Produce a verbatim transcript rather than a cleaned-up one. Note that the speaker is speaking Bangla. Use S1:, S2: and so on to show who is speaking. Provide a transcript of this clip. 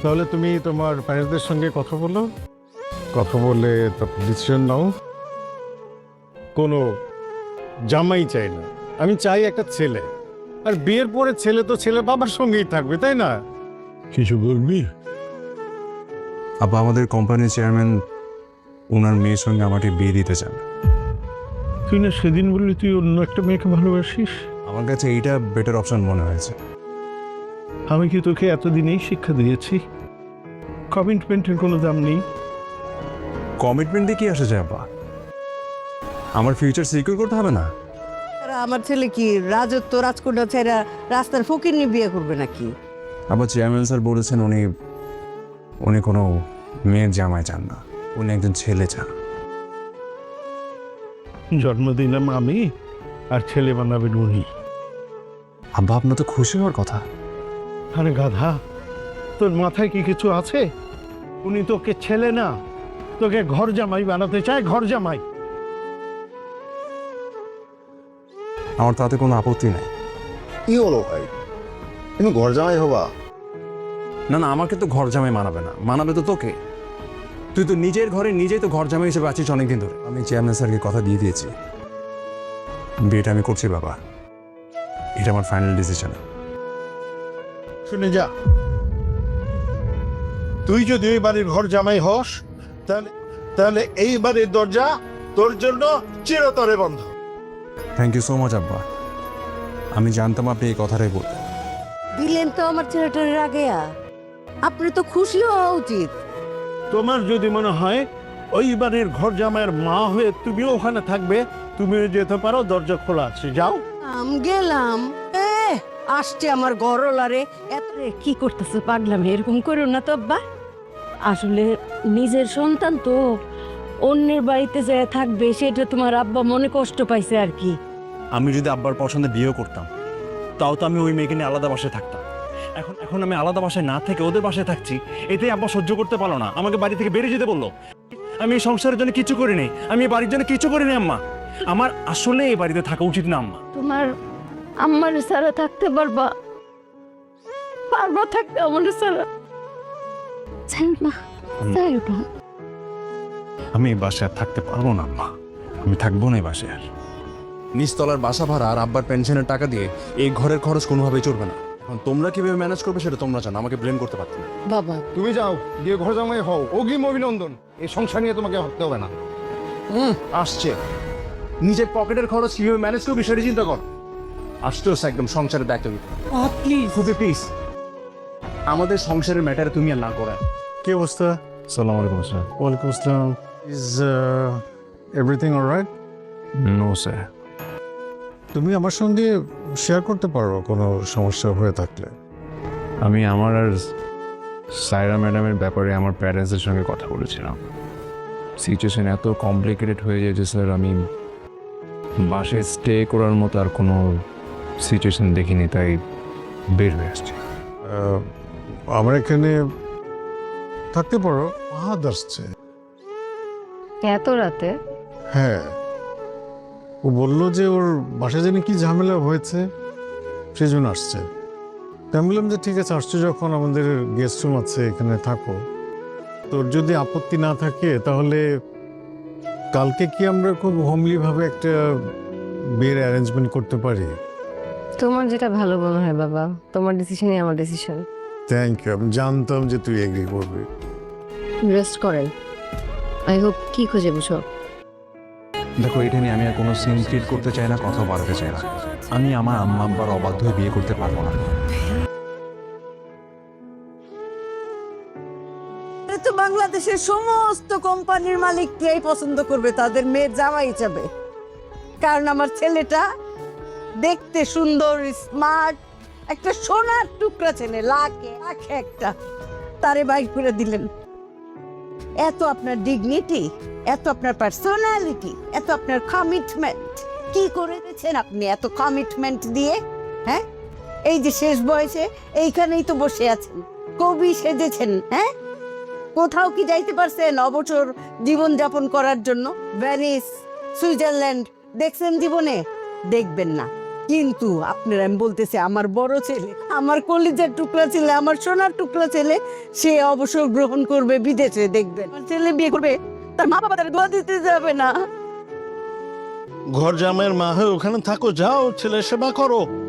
S1: তাহলে তুমি তোমার প্যারেন্টসদের সঙ্গে কথা বলো, কথা বলে তারপর ডিসিশন নাও। কোনো জামাই চাই না, আমি চাই একটা ছেলে। আর বিয়ের পরে ছেলে তো ছেলে বাবার সঙ্গেই থাকবে, তাই না? কিছু বলবি?
S2: আব্বা, আমাদের কোম্পানির চেয়ারম্যান ওনার মেয়ের সঙ্গে আমাকে বিয়ে দিতে চান।
S1: তুই না সেদিন বললি তুই অন্য একটা মেয়েকে ভালোবাসিস?
S2: আমার কাছে এইটা বেটার অপশন মনে হয়েছে।
S1: আমি কি তোকে এতদিনেই শিক্ষা দিয়েছি কমিটমেন্টের কোনো দাম নেই?
S2: কমিটমেন্ট দিয়ে কি আসে যায় আব্বা? আমার ফিউচার সিকিউর করতে হবে না?
S3: আমার ছেলে কি রাজত্ব রাজকন্যা ছেড়া রাস্তার ফকির নিয়ে বিয়ে করবে নাকি?
S2: আবার চেয়ারম্যান স্যার বলেছেন উনি উনি কোনো মেয়ের জামাই চান না, উনি একজন ছেলে চান।
S1: জন্ম দিলাম আমি, আর ছেলে বানাবেন উনি।
S2: আব্বা, আপনার তো খুশি হওয়ার কথা।
S1: আরে গাধা, তোর মাথায় কি কিছু আছে? উনি তোকে ছেলে না, তোকে ঘর জামাই বানাতে চায়, ঘর জামাই।
S2: আমার তাতে কোনো আপত্তি নাই।
S4: কি হলো ভাই, তুমি ঘর জামাই হবা?
S2: না না, আমাকে তো ঘর জামাই মানাবে না, মানাবে তো তোকে। তুই তো নিজের ঘরে নিজেই তো ঘর জামাই হিসেবে আছিস অনেকদিন ধরে। আমি চেয়ারম্যান স্যারকে কথা দিয়ে দিয়েছি, বিয়েটা আমি করছি বাবা। এটা আমার ফাইনাল ডিসিশন।
S1: শুনে যা, তুই যদি ওই বাড়ির ঘর জামাই হস, তাহলে তাহলে এই বাড়ির দরজা তোর জন্য চিরতরে বন্ধ।
S2: থ্যাংক ইউ সো মাচ আব্বা, আমি জানতাম আপনি এই কথাটাই বলবেন।
S3: দিলেন তো আমার ছেলেটার আগে। আপনি তো খুশি হওয়া উচিত।
S1: তোমার যদি মনে হয় ওই বাড়ির ঘর জামাইয়ের মা হয়ে তুমিও ওখানে থাকবে, তুমিও যেতে পারো, দরজা খোলা আছে, যাও।
S3: আম গেলাম, এ আসছে আমার গরলারে। এত
S5: রে, কি করতেছে পাগলামি? এরকম করো না তো আব্বা। আসলে নিজের সন্তান তো অন্যের বাড়িতে যায় থাকবে, সেটা তোমার আব্বা মনে কষ্ট পাইছে আর কি।
S6: আমি যদি আব্বার পছন্দে বিয়েও করতাম, তাও তো আমি ওই মেয়েকে নিয়ে আলাদা বাসায় থাকতাম। এখন এখন আমি আলাদা বাসায় না থেকে ওদের বাসায় থাকছি, এতেই আব্বা সহ্য করতে পারলো না, আমাকে বাড়ি থেকে বেরিয়ে যেতে বললো। আমি এই সংসারের জন্য কিছু করিনি, আমি এই বাড়ির জন্য কিছু করিনি আম্মা। আমার আসলে এই বাড়িতে থাকা উচিত না আম্মা।
S5: তোমার আম্মার ছাড়া থাকতে পারবা? পারবা থাকতে আমার ছাড়া? চাই না, চাই না।
S2: আমি এই বাসায় আর থাকতে পারবো না আম্মা, আমি থাকবো না এই বাসায় আর। নিচতলার বাসা ভাড়া আর আব্বার পেনশনের টাকা দিয়ে এই ঘরের খরচ কোনোভাবেই চলবে না। এখন তোমরা কিভাবে ম্যানেজ করবে সেটা তোমরা জানো, আমাকে ব্লেম করতে পারতো না।
S3: বাবা,
S1: তুমি যাও, গিয়ে ঘর জামাই হও, অগ্রিম অভিনন্দন। এই সংসার নিয়ে তোমাকে ভাবতে হবে না।
S4: হুম আসছে, নিজের পকেটের খরচ কিভাবে ম্যানেজ করবি সেটা চিন্তা কর। আসতে হচ্ছে একদম সংসারের দায়িত্ব নিতে।
S3: প্লিজ
S4: খুবই প্লিজ, আমাদের সংসারের ম্যাটারে তুমি আর না করা।
S1: কি অবস্থা?
S2: সালাম আলাইকুম স্যার।
S1: ওয়ালাইকুম আসসালাম। Is everything alright?
S2: No sir.
S1: তুমি আমার সঙ্গে শেয়ার করতে পারো কোনো সমস্যা হয়ে থাকলে।
S2: আমি আমার আর সায়রা ম্যাডামের ব্যাপারে আমার প্যারেন্টসের সঙ্গে কথা বলেছিলাম। সিচুয়েশন এত কমপ্লিকেটেড হয়ে যায় যে স্যার আমি বাসায় স্টে করার মতো আর কোনো সিচুয়েশন দেখিনি, তাই বের হয়ে আসছি।
S1: আহ, আমার এখানে থাকতে পারো। হাত আসছে।
S5: এত রাতে?
S1: হ্যাঁ, ও বললো যে ওর বাসায় জানি কি ঝামেলা হয়েছে, সেই জন্য আসছে। তাই আমি বললাম যে ঠিক আছে, আসছো যখন আমাদের গেস্ট রুম আছে, এখানে থাকো। তোর যদি আপত্তি না থাকে তাহলে কালকে কি আমরা খুব হোমলিভাবে একটা বিয়ের অ্যারেঞ্জমেন্ট করতে পারি?
S5: তোমার যেটা ভালো মনে হয় বাবা, তোমার ডিসিশনই আমার ডিসিশন।
S1: থ্যাংক ইউ, আমি জানতাম যে তুই এগ্রি করবি।
S5: রেস্ট করেন। আই হোপ কি খুঁজে বুঝো।
S2: দেখো, এটা নিয়ে আমি আর কোনো সিন ক্রিয়েট করতে চাই না, কথা বাড়াতে চাই না। আমি আমার আম্মা আব্বার অবাধ্য হয়ে বিয়ে করতে পারবো না।
S3: তো বাংলাদেশের সমস্ত কোম্পানির মালিককেই পছন্দ করবে তাদের মেয়ের জামাই হিসাবে। কারণ আমার ছেলেটা দেখতে সুন্দর, স্মার্ট, একটা সোনার টুকরা ছেলে, লাখে লাখে একটা। তারে বাইক করে দিলেন। এত আপনার ডিগনিটি, এত আপনার পার্সোনালিটি, এত আপনার কমিটমেন্ট, কি করে দিয়েছেন আপনি এত কমিটমেন্ট দিয়ে? হ্যাঁ, এই যে শেষ বয়সে এইখানেই তো বসে আছেন, কবি সেজেছেন। হ্যাঁ, কোথাও কি যাইতে পারছেন অবসর জীবন যাপন করার জন্য? ভ্যানিস, সুইজারল্যান্ড দেখছেন জীবনে? দেখবেন না। কিন্তু আপনার আমি বলতেছি, আমার বড় ছেলে, আমার কলিজার টুকরা ছেলে, আমার সোনার টুকরা ছেলে, সে অবসর গ্রহণ করবে বিদেশে, দেখবেন আমার ছেলে বিয়ে করবে, তার মা বাবা তার দোয়া দিতে যাবে না।
S7: ঘর জামাইয়ের মা হয়ে ওখানে থাকো, যাও ছেলের সেবা করো।